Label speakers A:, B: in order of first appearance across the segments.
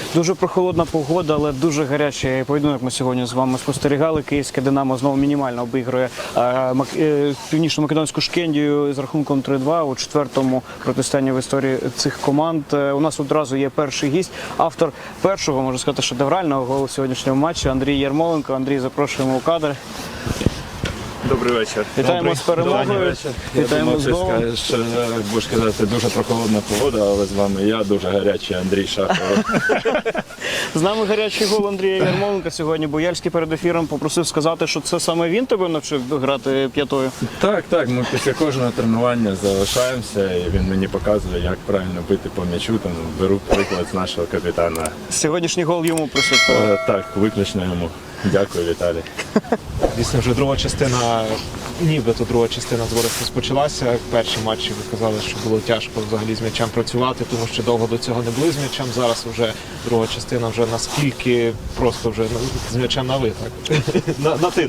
A: Дуже прохолодна погода, але дуже гарячий поєдинок ми сьогодні з вами спостерігали. Київське «Динамо» знову мінімально обігрує північно-македонську Шкендію з рахунком 3-2 у четвертому протистоянні в історії цих команд. У нас одразу є перший гість, автор першого, можна сказати, шедеврального голу сьогоднішнього матчу Андрій Ярмоленко. Андрій, запрошуємо у кадр.
B: Добрий вечір.
A: Вітаємо з перемогою. Вітаємо з голом.
B: Будеш казати, дуже прохолодна погода, але з вами я, дуже гарячий Андрій Шахов.
A: З нами гарячий гол Андрія Ярмоленка сьогодні. Бояльський перед ефіром попросив сказати, що це саме він тебе навчив грати п'ятою.
B: Так, ми після кожного тренування залишаємося, і він мені показує, як правильно бити по м'ячу. Там беру приклад з нашого капітана.
A: Сьогоднішній гол йому присвятили.
B: Так, виключно йому. Дякую, Віталій.
C: Дійсно, вже друга частина, нібито друга частина зборів розпочалася. Перші матчі ви казали, що було тяжко взагалі з м'ячем працювати, тому що довго до цього не були з м'ячем. Зараз вже друга частина вже наскільки просто вже з м'ячем на ви, так? На ти.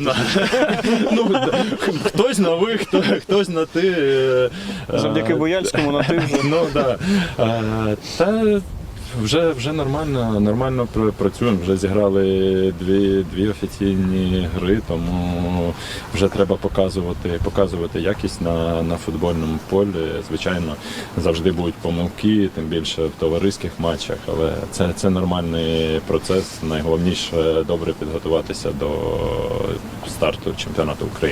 B: Хтось на ви, хтось на ти.
A: Завдяки Бояльському на ти вже.
B: Ну, так. Та вже нормально працюємо, вже зіграли дві офіційні гри, тому вже треба показувати якість на футбольному полі. Звичайно, завжди будуть помилки, тим більше в товариських матчах, але це нормальний процес. Найголовніше добре підготуватися до старту чемпіонату України.